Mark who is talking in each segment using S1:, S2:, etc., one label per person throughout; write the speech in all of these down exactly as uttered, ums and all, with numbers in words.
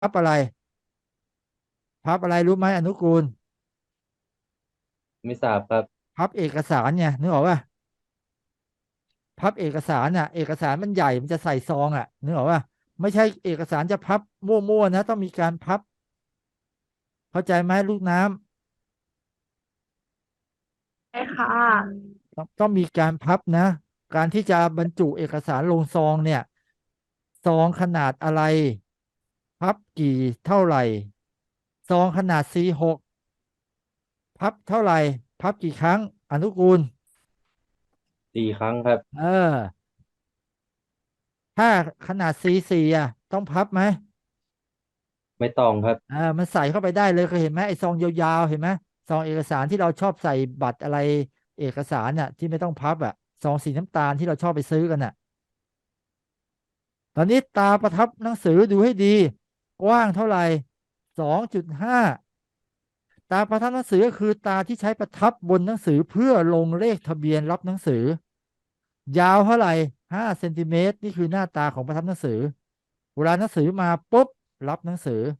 S1: พับอะไรพับอะไรรู้ไหมอนุกูล
S2: ไม่ทราบครับ
S1: พับเอกสารเนี่ยนึกออกป่ะพับเอกสารน่ะเอกสารมันใหญ่มันจะใส่ซองอ่ะนึกออกป่ะไม่ใช่เอกสารจะพับมั่วๆนะต้องมีการพับเข้าใจไหมลูกน้ำ
S3: ใช่ค่ะ
S1: ต้องต้องมีการพับนะการที่จะบรรจุเอกสารลงซองเนี่ยซองขนาดอะไรพับกี่เท่าไหร่ซองขนาด ซี หก พับเท่าไหร่พับกี่ครั้งอนุกูล
S2: สี่ครั้งครับ
S1: เออถ้าขนาด ซี สี่ อ่ะต้องพับไหม
S2: ไม่ต้องครับ
S1: เออมันใส่เข้าไปได้เลยเคยเห็นไหมไอ้ซองยาวๆเห็นไหมซองเอกสารที่เราชอบใส่บัตรอะไรเอกสารน่ะที่ไม่ต้องพับอ่ะซองสีน้ำตาลที่เราชอบไปซื้อกันน่ะ ตอนนี้ตาประทับหนังสือดูให้ดีกว้างเท่าไหร่สองจุดห้าตาประทับหนังสือก็คือตาที่ใช้ประทับบนหนังสือเพื่อลงเลขทะเบียนรับหนังสือยาวเท่าไหร่ห้าเซนติเมตรนี่คือหน้าตาของประทับหนังสือเวลาหนังสือมาปุ๊บรับหนังสือ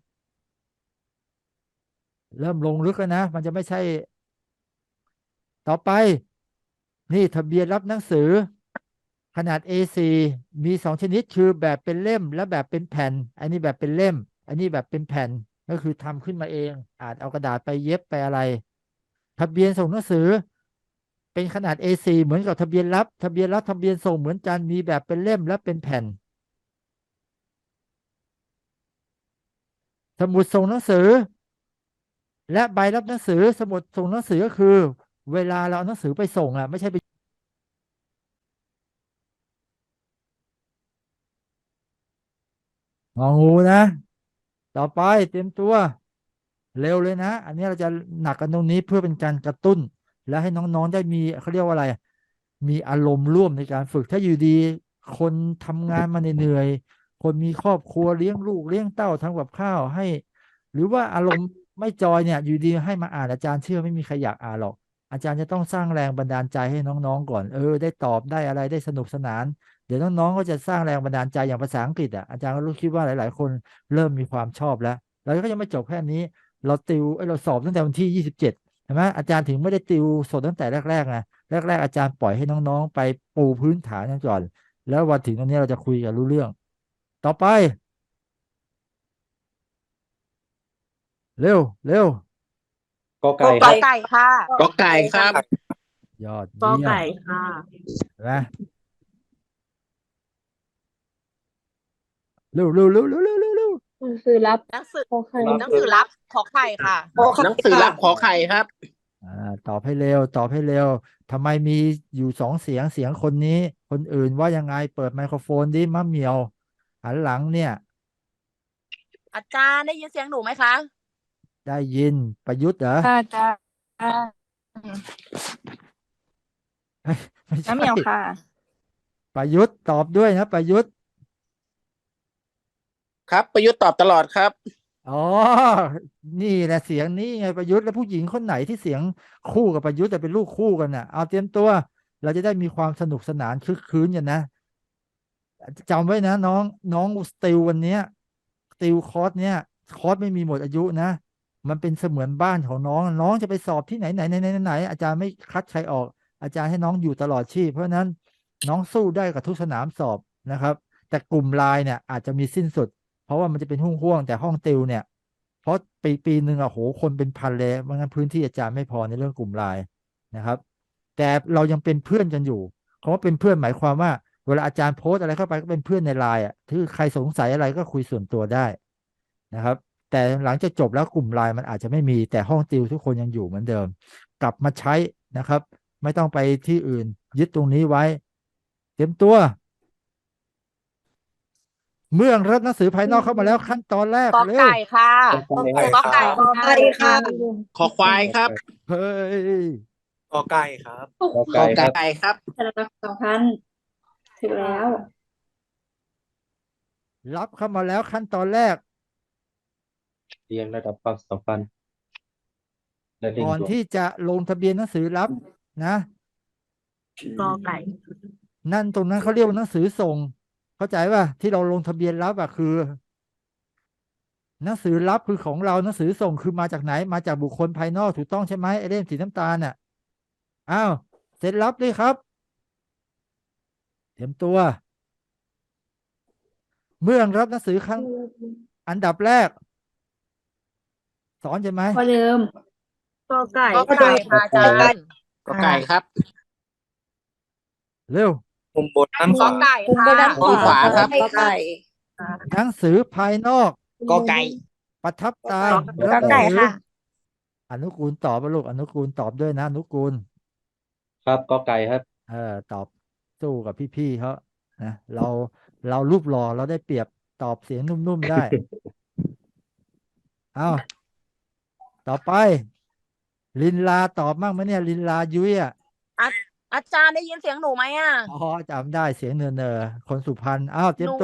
S1: เริ่มลงลึกแล้วนะมันจะไม่ใช่ต่อไปนี่ทะเบียนรับหนังสือขนาด เอ โฟร์ มีสองชนิดคือแบบเป็นเล่มและแบบเป็นแผ่นอันนี้แบบเป็นเล่มอันนี้แบบเป็นแผ่นก็คือทำขึ้นมาเองอาจเอากระดาษไปเย็บไปอะไรทะเบียนส่งหนังสือเป็นขนาด เอ โฟร์ เหมือนกับทะเบียนรับทะเบียนรับทะเบียนส่งเหมือนกันมีแบบเป็นเล่มและเป็นแผ่นสมุดส่งหนังสือและใบรับหนังสือสมุดส่งหนังสือก็คือเวลาเราเอาหนังสือไปส่งอ่ะไม่ใช่ไปงองูนะต่อไปเตรียมตัว เร็วเลยนะอันนี้เราจะหนักกันตรงนี้เพื่อเป็นการกระตุ้นและให้น้องๆได้มีเขาเรียกว่าอะไรมีอารมณ์ร่วมในการฝึกถ้าอยู่ดีคนทำงานมาเหนื่อยๆคนมีครอบครัวเลี้ยงลูกเลี้ยงเต้าทำกับข้าวให้หรือว่าอารมณ์ไม่จอยเนี่ยอยู่ดีให้มาอ่านอาจารย์เชื่อไม่มีใครอยากอ่านหรอกอาจารย์จะต้องสร้างแรงบันดาลใจให้น้องๆก่อนเออได้ตอบได้อะไรได้สนุกสนานเดี๋ยวน้องๆก็จะสร้างแรงบันดาลใจอย่างภาษาอังกฤษอ่ะอาจารย์ก็รู้คิดว่าหลายๆคนเริ่มมีความชอบแล้วแล้วก็ยังไม่จบแค่นี้ เราติวเอ้ยเราสอบตั้งแต่วันที่ยี่สิบเจ็ดใช่ไหมอาจารย์ถึงไม่ได้ติวสดตั้งแต่แรกๆไงแรกๆอาจารย์ปล่อยให้น้องๆไปปูพื้นฐานกันก่อนแล้ววันถึงตรงนี้เราจะคุยกันรู้เรื่องต่อไปเร็วเร็ว
S2: ก็
S3: กอ
S2: ไก่ครับ
S3: ไก่ค่ะ
S4: กอไก่ครับ
S1: ยอด
S3: กอ
S1: เยี่ยม
S3: ไก่ค่ะ
S1: เห็นไหมเร็วเร็วเร็วเร็วเร็วเร็วเร็ว
S5: หนังสือรับ
S3: หนังสือ
S5: ขอไข่
S2: รับ
S3: หนังสือรับขอไข่ค่ะ
S5: ขอไข่
S4: หนังสือรับขอไข่ครับ
S1: อ่าตอบให้เร็วตอบให้เร็วทำไมมีอยู่สองเสียงเสียงคนนี้คนอื่นว่ายังไงเปิดไมโครโฟนดิมะเหมียวหันหลังเนี่ย
S3: อาจารย์ได้ยินเสียงหนูไหมคะ
S1: ได้ยินประยุทธ์เหรอ
S5: ค่ะจ้า
S1: ไม่
S5: น้ำ
S1: ใช่
S5: เหมียวค่ะ
S1: ประยุทธ์ตอบด้วยนะประยุทธ์
S4: ครับประยุทธ์ตอบตลอดครับ
S1: อ๋อนี่แหละเสียงนี้ไงประยุทธ์แล้วผู้หญิงคนไหนที่เสียงคู่กับประยุทธ์แต่เป็นลูกคู่กันน่ะเอาเตรียมตัวเราจะได้มีความสนุกสนานคึกคืนกันนะจำไว้นะน้องน้องสติลวันเนี้ยสติลคอร์สเนี้ยคอร์สไม่มีหมดอายุนะมันเป็นเสมือนบ้านของน้องน้องจะไปสอบที่ไหนไหนไหนไหนไหนอาจารย์ไม่คัดใครออกอาจารย์ให้น้องอยู่ตลอดชีพเพราะฉะนั้นน้องสู้ได้กับทุกสนามสอบนะครับแต่กลุ่มไลน์เนี่ยอาจจะมีสิ้นสุด เพราะว่ามันจะเป็นห่วงๆแต่ห้องติวเนี่ยเพราะปีปีหนึ่งอะโหคนเป็นพันเลยไม่งั้นพื้นที่อาจารย์ไม่พอในเรื่องกลุ่มไลน์นะครับแต่เรายังเป็นเพื่อนกันอยู่คำว่าเป็นเพื่อนหมายความว่าเวลาอาจารย์โพสต์อะไรเข้าไปก็เป็นเพื่อนในไลน์อ่ะถ้าใครสงสัยอะไรก็คุยส่วนตัวได้นะครับแต่หลังจากจบแล้วกลุ่มไลน์มันอาจจะไม่มีแต่ห้องติวทุกคนยังอยู่เหมือนเดิมกลับมาใช้นะครับไม่ต้องไปที่อื่นยึดตรงนี้ไว้เตรียมตัว เมื่อรับหนังสือภายนอกเข้ามาแล้วขั้นตอนแรก
S3: กอ
S1: เร็ว
S3: ไก่ค่ะ
S2: ก็ไก่
S3: กอไก่
S2: ครับ
S5: ขอไข่ค่ะ
S4: ขอควายครับ
S1: เฮ้ย
S6: กอไก่ครับ
S2: ก็
S4: กอ
S2: ไก่ครับ
S4: ไก่ครับ
S5: สารพัดสองพันถึงแล้ว
S1: รับเข้ามาแล้วขั้นตอนแรก
S2: เรียงระดับความสัมพันธ์และเร่ง
S1: ก่อน
S2: ด่วน
S1: ที่จะลงทะเบียนหนังสือรับนะ
S3: กอไก่
S1: นั่นตรงนั้นเขาเรียกว่าหนังสือส่งเข้าใจป่ะที่เราลงทะเบียนรับอ่ะคือหนังสือรับคือของเราหนังสือส่งคือมาจากไหนมาจากบุคคลภายนอกถูกต้องใช่ไหมไอ้เล่มสีน้ำตาลน่ะอ้าวเสร็จรับด้วยครับเตรียมตัว เมื่อรับหนังสือครั้งอันดับแรก สอนใช่ไหม
S5: ข้อเดิม
S3: กอไก่กอไก่ค่ะอาจารย์
S4: ก็ไก่ครับ
S1: เร็ว
S2: มุมบนด้านข
S3: กอ
S2: วา
S3: ไก่
S5: มุม
S3: ค่ะ
S5: ไปด้านข
S4: มุมขวาว
S5: า
S4: ครับ
S5: กอไก่
S1: หนังสือภายนอก
S4: ก็ไก่
S1: ประทับตา
S5: ก็
S1: รับหนั
S5: ไก่
S1: งสือ
S5: ค่ะ
S1: อนุกูลตอบป่ะลูกอนุกูลตอบด้วยนะอนุกูล
S2: ครับก็ไก่ครับ
S1: เออตอบสู้กับพี่ๆเขานะเราเรารูปหล่อเราได้เปรียบตอบเสียงนุ่มๆได้ เอาต่อไป ลินลาตอบมั่งไหมเนี่ย ลินลายุ้ยอ่ะ
S3: อาจารย์ได้ยินเสียงหนูไหมอ่ะ
S1: อ๋อจำได้เสียงเนอเนอๆคนสุพรรณอ้าวเตรียม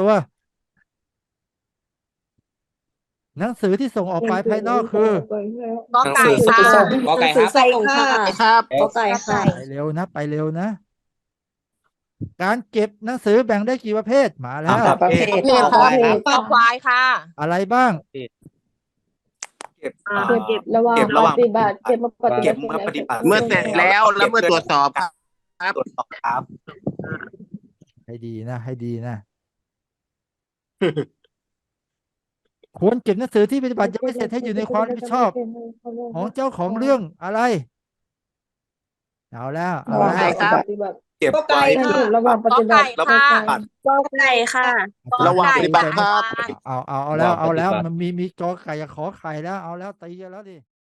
S3: หนู
S1: ตัว หนังสือที่ส่งออกไปภายนอกคือ
S3: กอไก่ค่ะ
S4: ก็ไก่ครับ
S5: ใส่ค่ะ
S4: ครับ
S5: ก็ไก่ค่ะ
S1: ไปเร็วนะ ไปเร็วนะ การเก็บหนังสือแบ่งได้กี่ประเภทมาแล้ว
S2: สามประเภท
S5: ประเภทค่ะ
S3: กอควายค่ะ
S1: อะไรบ้าง
S2: เก็บ
S3: อ่า
S2: อ่า
S5: เก็บระหว่าง
S2: เก็บระหว่าง
S5: ปฏิบัติเก็บมาปฏิ
S2: เก็
S5: บั
S2: บ
S5: ติ
S2: เมื่อปฏิบัติ
S4: เมื่อเสร็จแล้วแล้วเมื่อตรวจสอบครับ
S2: ตรวจสอบครับ
S1: ให้ดีนะ ให้ดีนะ ควรเก็บหนังสือที่ปฏิบัติยังไม่เสร็จให้อยู่ในความรับผิดชอบ ของเจ้าของเรื่องอะไร เอาแล้วเอา
S5: ระหว่าง
S1: แล้ว
S4: ครับ
S5: ปฏิบัติ
S2: เก็บไว้
S5: ให้ถูกระหว่างป
S3: กอ
S5: ฏิบั
S3: ไก่
S5: ติ
S3: ค่ะ
S2: แล้ว
S3: กอไก่ค่ะ
S4: ระหว่างปฏิบัติครับ
S1: เอาเอาเอาแล้วเอาแล้ว
S2: ระหว่างปฏิบัติ
S1: มันมีมีกอไก่กับขอไข่แล้วเอาแล้วตีกันแล้วดิ